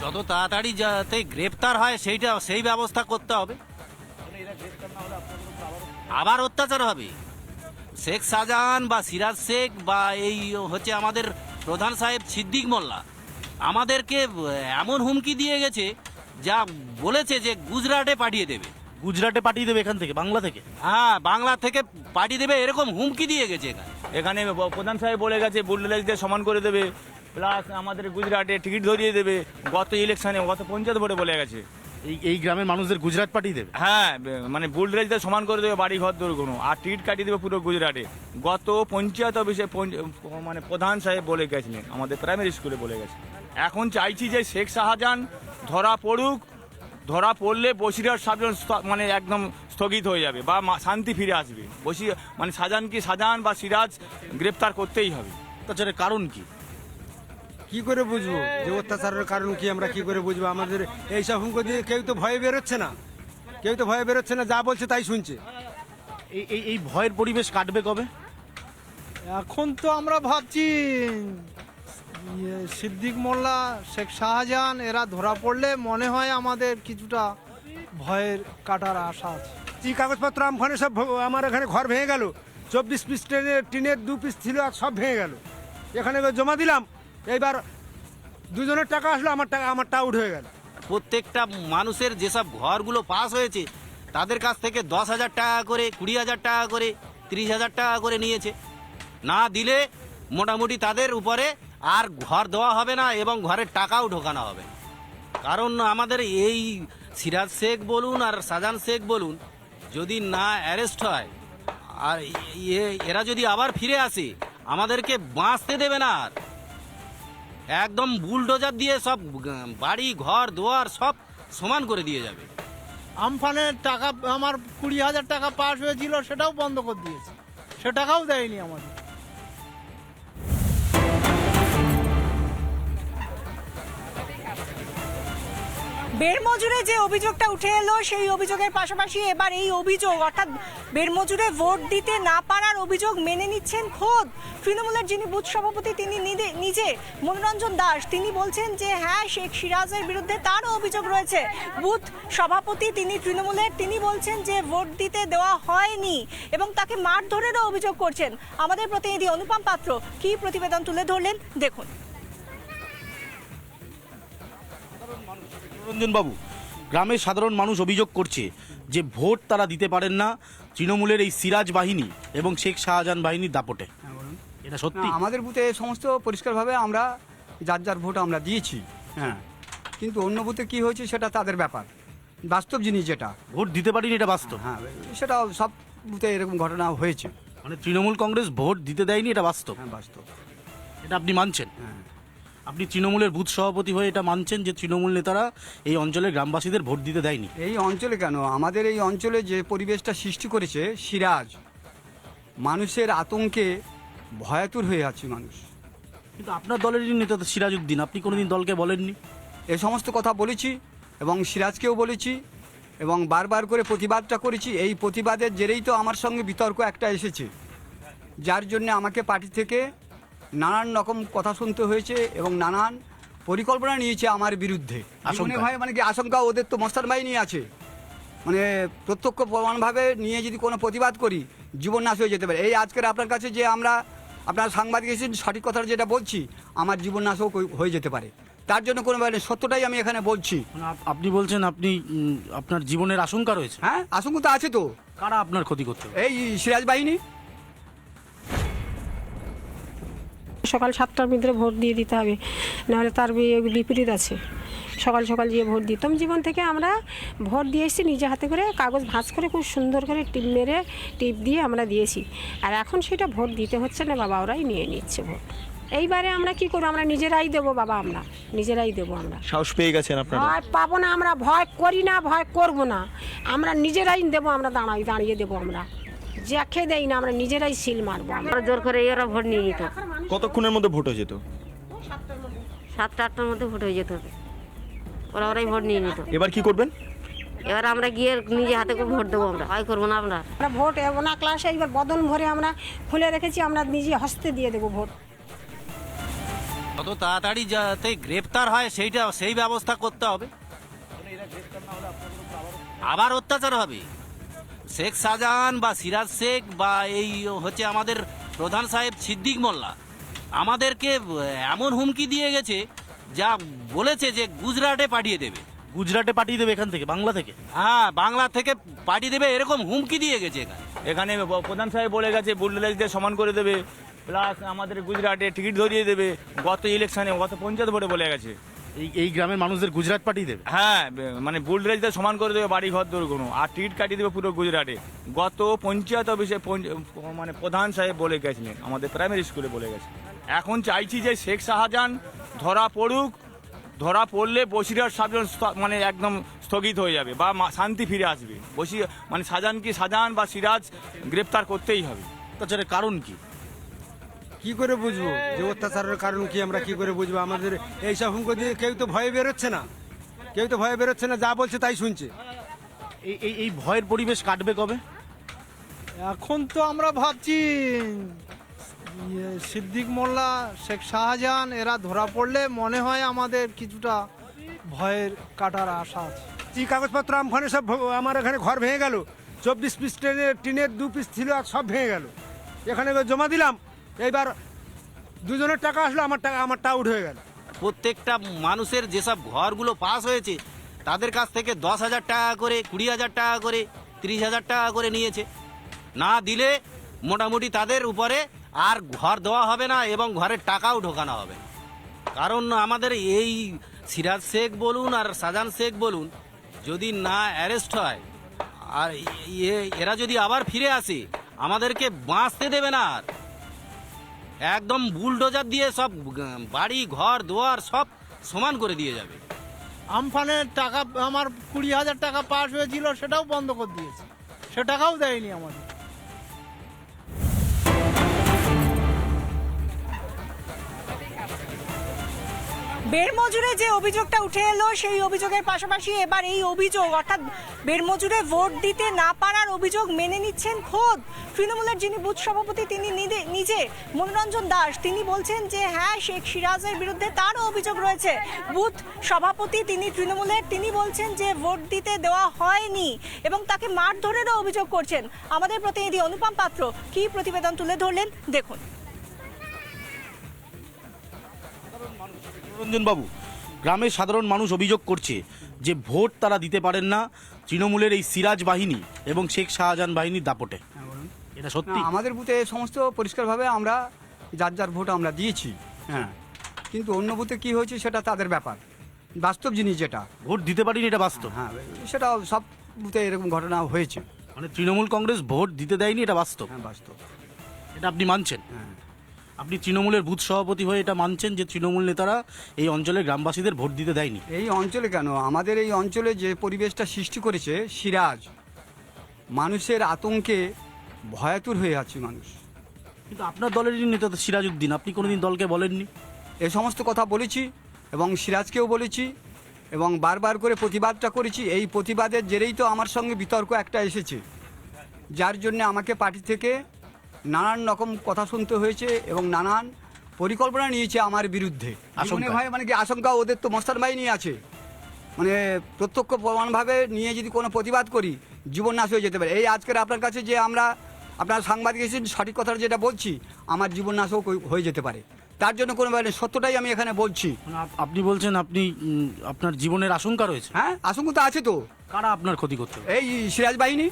যত তাড়াতাড়ি যাতে গ্রেপ্তার হয় সেই ব্যবস্থা করতে হবে। আবার অত্যাচার হবে। শেখ শাহজাহান বা সিরাজ শেখ বা এই হচ্ছে আমাদের প্রধান সাহেব সিদ্দিক মোল্লা আমাদেরকে এমন হুমকি দিয়ে গেছে, যা বলেছে যে গুজরাটে পাঠিয়ে দেবে। গুজরাটে পাঠিয়ে দেবে এখান থেকে, বাংলা থেকে? হ্যাঁ, বাংলা থেকে পাঠিয়ে দেবে, এরকম হুমকি দিয়ে গেছে। এখানে প্রধান সাহেব বলে গেছে বুলডোজারদের সমান করে দেবে, প্লাস আমাদের গুজরাটে টিকিট ধরিয়ে দেবে। গত ইলেকশনে, গত পঞ্চায়েত ভোটে বলে গেছে এই গ্রামের মানুষদের গুজরাট পাঠিয়ে দেবে। হ্যাঁ, মানে বুলডোজারদের সমান করে দেবে বাড়ি ঘর দৌড় কোনো, আর টিকিট কাটিয়ে দেবে পুরো গুজরাটে। গত পঞ্চায়েত অফিসে মানে প্রধান সাহেব বলে গেছিলেন, আমাদের প্রাইমারি স্কুলে বলে গেছে। এখন চাইছি যে শেখ শাহজাহান ধরা পড়ুক, ধরা পড়লে বসিরহাট সাবজেক্ট মানে একদম স্থগিত হয়ে যাবে বা শান্তি ফিরে আসবে। মানে শাহজাহান বা সিরাজ গ্রেপ্তার করতেই হবে। অত্যাচারের কারণ কি? কি করে বুঝবো যে অত্যাচারের কারণ কি? আমরা কি করে বুঝবো? আমাদের এইসব হুমকি দিয়ে কেউ তো ভয়ে বেরোচ্ছে না, যা বলছে তাই শুনছে। এই ভয়ের পরিবেশ কাটবে কবে? এখন তো আমরা ভাবছি সিদ্দিক মোল্লা, শেখ শাহজাহান এরা ধরা পড়লে মনে হয় আমাদের কিছুটা ভয়ের কাটার আশা আছে। কি কাগজপত্র আমফানে সব আমার এখানে ঘর ভেঙে গেল। 24 পিস টিনের 2 পিস ছিল আর সব ভেঙে গেল। এখানে জমা দিলাম, এইবার দুজনের টাকা আসলো, আমারটা আউট হয়ে গেল। প্রত্যেকটা মানুষের যেসব ঘরগুলো পাস হয়েছে তাদের কাছ থেকে 10,000 টাকা করে, 20,000 টাকা করে, 30,000 টাকা করে নিয়েছে। না দিলে মোটামুটি তাদের উপরে আর ঘর দেওয়া হবে না এবং ঘরের টাকাও ঢোকানো হবে। কারণ আমাদের এই সিরাজ শেখ বলুন আর শাহজাহান শেখ বলুন, যদি না অ্যারেস্ট হয় আর এরা যদি আবার ফিরে আসে, আমাদেরকে বাঁচতে দেবে না। আর একদম বুলডোজার দিয়ে সব বাড়ি ঘর দুয়ার সব সমান করে দিয়ে যাবে। আমফানের টাকা আমার 20,000 টাকা পাস হয়েছিল, সেটাও বন্ধ করে দিয়েছে, সে টাকাও দেয়নি আমাদের। বেড়মজুরে যে অভিযোগটা উঠে এলো, সেই অভিযোগের পাশাপাশি এবার এই অভিযোগ, অর্থাৎ বেড়মজুরে ভোট দিতে না পারার অভিযোগ মেনে নিচ্ছেন খোদ তৃণমূলের যিনি বুথ সভাপতি, তিনি নিজে মনোরঞ্জন দাস। তিনি বলছেন যে হ্যাঁ, শেখ সিরাজের বিরুদ্ধে তারও অভিযোগ রয়েছে। বুথ সভাপতি তিনি তৃণমূলের, তিনি বলছেন যে ভোট দিতে দেওয়া হয়নি এবং তাকে মারধরেরও অভিযোগ করছেন। আমাদের প্রতিনিধি অনুপম পাত্র কি প্রতিবেদন তুলে ধরলেন, দেখুন। রঞ্জন বাবু, গ্রামের সাধারণ মানুষ অভিযোগ করছে যে ভোট তারা দিতে পারেন না তৃণমূলের এই সিরাজ বাহিনী এবং শেখ শাহজাহান বাহিনীর দাপটে। এটা সত্যি? আমাদের বুথে সমস্ত পরিষ্কারভাবে আমরা যার ভোট আমরা দিয়েছি, হ্যাঁ, কিন্তু অন্য বুথে কি হয়েছে সেটা তাদের ব্যাপার। বাস্তব জিনিস যেটা ভোট দিতে পারিনি, এটা বাস্তব। হ্যাঁ, সেটা সব বুথে এরকম ঘটনা হয়েছে। মানে তৃণমূল কংগ্রেস ভোট দিতে দেয়নি, এটা বাস্তব। হ্যাঁ, বাস্তব। এটা আপনি মানছেন? হ্যাঁ। আপনি তৃণমূলের বুথ সভাপতি হয়ে এটা মানছেন যে তৃণমূল নেতারা এই অঞ্চলের গ্রামবাসীদের ভোট দিতে দেয়নি? এই অঞ্চলে কেন, আমাদের এই অঞ্চলে যে পরিবেশটা সৃষ্টি করেছে সিরাজ, মানুষের আতঙ্কে ভয়াতুর হয়ে আছে মানুষ। কিন্তু আপনার দলেরই নেতা তো সিরাজউদ্দিন, আপনি কোনোদিন দলকে বলেননি? এ সমস্ত কথা বলেছি এবং সিরাজকেও বলেছি এবং বারবার করে প্রতিবাদটা করেছি। এই প্রতিবাদের জেরেই তো আমার সঙ্গে বিতর্ক একটা এসেছে, যার জন্য আমাকে পার্টি থেকে নানান রকম কথা শুনতে হয়েছে এবং নানান পরিকল্পনা নিয়েছে আমার বিরুদ্ধে। মনে হয় মানে কি আশঙ্কা, ওদের তো মস্তান বাহিনী আছে, মানে প্রত্যক্ষ প্রমাণভাবে নিয়ে যদি কোনো প্রতিবাদ করি জীবন নাশ হয়ে যেতে পারে। এই আজকের আপনার কাছে যে আপনার সাংবাদিক এসেছেন, সঠিক কথা যেটা বলছি, আমার জীবন নাশও হয়ে যেতে পারে। তার জন্য কোনো সত্যটাই আমি এখানে বলছি। আপনি বলছেন আপনি আপনার জীবনের আশঙ্কা রয়েছে? হ্যাঁ, আশঙ্কা তো আছে তো। কারা আপনার ক্ষতি করতে? এই সিরাজ বাহিনী। সকাল 7টার ভিতরে ভোট দিয়ে দিতে হবে, নাহলে তার বিপরীত আছে। সকাল সকাল গিয়ে ভোট দিতাম। জীবন থেকে আমরা ভোট দিয়ে এসেছি নিজে হাতে করে, কাগজ ভাঁজ করে খুব সুন্দর করে টিপ দিয়ে আমরা দিয়েছি। আর এখন সেটা ভোট দিতে হচ্ছে না, বাবা ওরাই নিয়ে নিচ্ছে ভোট। এইবারে আমরা কি করবো? আমরা নিজেরাই দেবো বাবা, আমরা নিজেরাই দেবো। আমরা সাহস পেয়ে গেছেন আপনারা? ভয় পাবো না, আমরা ভয় করি না, ভয় করবো না, আমরা নিজেরাই দেবো। আমরা দাঁড়িয়ে দেবো, আমরা যাকে দেই না, আমরা নিজেরাই সিল মারবো। আমরা জোর করে এরা ভোট নিয়ে নিত। কতক্ষণের মধ্যে ভোট হয়ে যেত? 7টা-8টার মধ্যে ভোট হয়ে যেত, ওরাই ভোট নিয়ে নিত। এবার কি করবেন? এবার আমরা গিয়ে নিজে হাতে করে ভোট দেবো, আমরা ভয় করবো না। আমরা ভোট না ক্লাসে এবার বদন ভরে আমরা খুলে রেখেছি, আমরা নিজে হস্তে দিয়ে দেবো ভোট। যত তাড়াতাড়ি যাতে গ্রেপ্তার হয় সেই ব্যবস্থা করতে হবে। আবার অত্যাচার হবে। শেখ শাহজাহান বা সিরাজ শেখ বা এই হচ্ছে আমাদের প্রধান সাহেব সিদ্দিক মোল্লা আমাদেরকে এমন হুমকি দিয়ে গেছে, যা বলেছে যে গুজরাটে পাঠিয়ে দেবে। গুজরাটে পাঠিয়ে দেবে এখান থেকে, বাংলা থেকে? হ্যাঁ, বাংলা থেকে পাঠিয়ে দেবে, এরকম হুমকি দিয়ে গেছে এখানে। এখানে প্রধান সাহেব বলে গেছে বুলডোজার সমান করে দেবে, প্লাস আমাদের গুজরাটে টিকিট ধরিয়ে দেবে। গত ইলেকশনে, গত পঞ্চায়েত ভোটে বলে গেছে এই গ্রামের মানুষদের গুজরাট পাঠিয়ে দেবে। হ্যাঁ, মানে বুলডোজার সমান করে দেবে বাড়ি ঘর দৌড় কোনো, আর টিকিট কাটিয়ে দেবে পুরো গুজরাটে। গত পঞ্চায়েত অফিসে মানে প্রধান সাহেব বলে গেছিলেন, আমাদের প্রাইমারি স্কুলে বলে গেছে। এখন চাইছি যে শেখ শাহজাহান ধরা পড়ুক, ধরা পড়লে বসিরহাট সাবজেক্ট মানে একদম স্থগিত হয়ে যাবে বা শান্তি ফিরে আসবে। মানে শাহজাহান বা সিরাজ গ্রেপ্তার করতেই হবে। অত্যাচারের কারণ কি? কি করে বুঝবো যে অত্যাচারের কারণ কি? আমরা কি করে বুঝবো? আমাদের এইসব হুমকি দিয়ে কেউ তো ভয়ে বেরোচ্ছে না, যা বলছে তাই শুনছে। এই ভয়ের পরিবেশ কাটবে কবে? এখন তো আমরা ভাবছি সিদ্দিক মোল্লা, শেখ শাহজাহান এরা ধরা পড়লে মনে হয় আমাদের কিছুটা ভয়ের কাটার আশা আছে। যে কাগজপত্র আমফানে সব আমার এখানে ঘর ভেঙে গেল। 24 পিস টিনের 2 পিস ছিল আর সব ভেঙে গেল। এখানে জমা দিলাম, এইবার দুজনের টাকা আসলো, আমার টাকা উঠে হয়ে গেল। প্রত্যেকটা মানুষের যেসব ঘরগুলো পাস হয়েছে তাদের কাছ থেকে 10,000 টাকা করে, 20,000 টাকা করে, 30,000 টাকা করে নিয়েছে। না দিলে মোটামুটি তাদের উপরে আর ঘর দেওয়া হবে না এবং ঘরের টাকাও ঢোকানো হবে না। কারণ আমাদের এই সিরাজ শেখ বলুন আর শাহজাহান শেখ বলুন, যদি না অ্যারেস্ট হয় আর এরা যদি আবার ফিরে আসে, আমাদেরকে বাঁচতে দেবে না। আর একদম বুলডোজার দিয়ে সব বাড়ি ঘর দুয়ার সব সমান করে দিয়ে যাবে। আমফানের টাকা আমার 20,000 টাকা পাস হয়েছিল, সেটাও বন্ধ করে দিয়েছে, সে টাকাও দেয়নি আমাদের। বেড়মজুরে যে অভিযোগটা উঠে এলো, সেই অভিযোগের পাশাপাশি এবার এই অভিযোগ অর্থাৎ বেড়মজুরে ভোট দিতে না পারার অভিযোগ মেনে নিচ্ছেন খোদ তৃণমূলের যিনি বুথ সভাপতি, তিনি নিজে মনোরঞ্জন দাস। তিনি বলছেন যে হ্যাঁ, শেখ সিরাজের বিরুদ্ধে তারও অভিযোগ রয়েছে। বুথ সভাপতি তিনি তৃণমূলের, তিনি বলছেন যে ভোট দিতে দেওয়া হয়নি এবং তাকে মারধরেরও অভিযোগ করছেন। আমাদের প্রতিনিধি অনুপম পাত্র কি প্রতিবেদন তুলে ধরলেন, দেখুন। রঞ্জন বাবু, গ্রামের সাধারণ মানুষ অভিযোগ করছে যে ভোট তারা দিতে পারেন না তৃণমূলের এই সিরাজ বাহিনী এবং শেখ শাহজাহান বাহিনীর দাপটে। এটা সত্যি? আমাদের বুথে সমস্ত পরিষ্কারভাবে আমরা যার ভোট আমরা দিয়েছি। হ্যাঁ, কিন্তু অন্য বুথে কি হয়েছে সেটা তাদের ব্যাপার, বাস্তব জিনিস যেটা। ভোট দিতে পারিনি, এটা বাস্তব। হ্যাঁ, সেটা সব বুথে এরকম ঘটনা হয়েছে। মানে তৃণমূল কংগ্রেস ভোট দিতে দেয়নি, এটা বাস্তব। হ্যাঁ, বাস্তব। এটা আপনি মানছেন? হ্যাঁ। আপনি তৃণমূলের বুথ সভাপতি হয়ে এটা মানছেন যে তৃণমূল নেতারা এই অঞ্চলের গ্রামবাসীদের ভোট দিতে দেয়নি? এই অঞ্চলে কেন, আমাদের এই অঞ্চলে যে পরিবেশটা সৃষ্টি করেছে সিরাজ, মানুষের আতঙ্কে ভয়াতুর হয়ে আছে মানুষ। কিন্তু আপনার দলেরই নেতা তো সিরাজউদ্দিন, আপনি কোনোদিন দলকে বলেননি? এ সমস্ত কথা বলেছি এবং সিরাজকেও বলেছি এবং বারবার করে প্রতিবাদটা করেছি। এই প্রতিবাদের জেরেই তো আমার সঙ্গে বিতর্ক একটা এসেছে, যার জন্য আমাকে পার্টি থেকে নানান রকম কথা শুনতে হয়েছে এবং নানান পরিকল্পনা নিয়েছে আমার বিরুদ্ধে। মনে হয় মানে কি আশঙ্কা, ওদের তো মস্তান বাহিনী আছে, মানে প্রত্যক্ষ প্রমাণভাবে নিয়ে যদি কোনো প্রতিবাদ করি জীবন নাশ হয়ে যেতে পারে। এই আজকের আপনার কাছে যে আপনার সাংবাদিক এসেছেন, সঠিক কথাটা যেটা বলছি, আমার জীবন নাশও হয়ে যেতে পারে। তার জন্য কোনো সত্যটাই আমি এখানে বলছি। আপনি বলছেন আপনি আপনার জীবনের আশঙ্কা রয়েছে? হ্যাঁ, আশঙ্কা তো আছে তো। কারা আপনার ক্ষতি করতে? এই সিরাজ বাহিনী।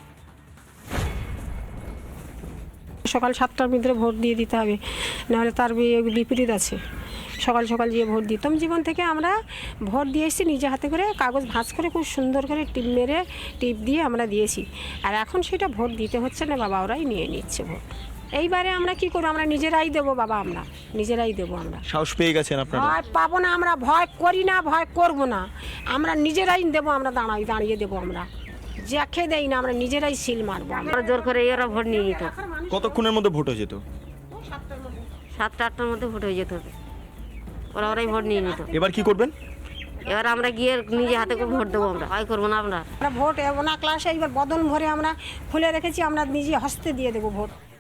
সকাল 7টার ভিতরে ভোট দিয়ে দিতে হবে, নাহলে তার বিপরীত আছে। সকাল সকাল গিয়ে ভোট দিতাম। জীবন থেকে আমরা ভোট দিয়ে এসেছি নিজে হাতে করে, কাগজ ভাঁজ করে খুব সুন্দর করে টিপ দিয়ে আমরা দিয়েছি। আর এখন সেটা ভোট দিতে হচ্ছে না বাবা, ওরাই নিয়ে নিচ্ছে ভোট। এইবারে আমরা কি করবো? আমরা নিজেরাই দেবো বাবা, আমরা নিজেরাই দেবো। আমরা সাহস পেয়ে গেছেন আপনারা? ভয় পাবো না, আমরা ভয় করি না, ভয় করবো না, আমরা নিজেরাই দেবো। আমরা দাঁড়িয়ে দেবো, আমরা যাকে দেই না, আমরা নিজেরাই সিল মারবো। আমরা জোর করে এরা ভোট নিয়ে নিত। কতক্ষণের মধ্যে ভোট হয়ে যেত? 7টা-8টার মধ্যে ভোট হয়ে যেত হবে, ওরাই ভোট নিয়ে নিত। এবার কি করবেন? এবার আমরা গিয়ে নিজে হাতে করে ভোট দেবো, আমরা ভয় করবো না। আমরা ভোট না ক্লাসে এইবার বদন ভরে আমরা খুলে রেখেছি, আমরা নিজে হস্তে দিয়ে দেবো ভোট।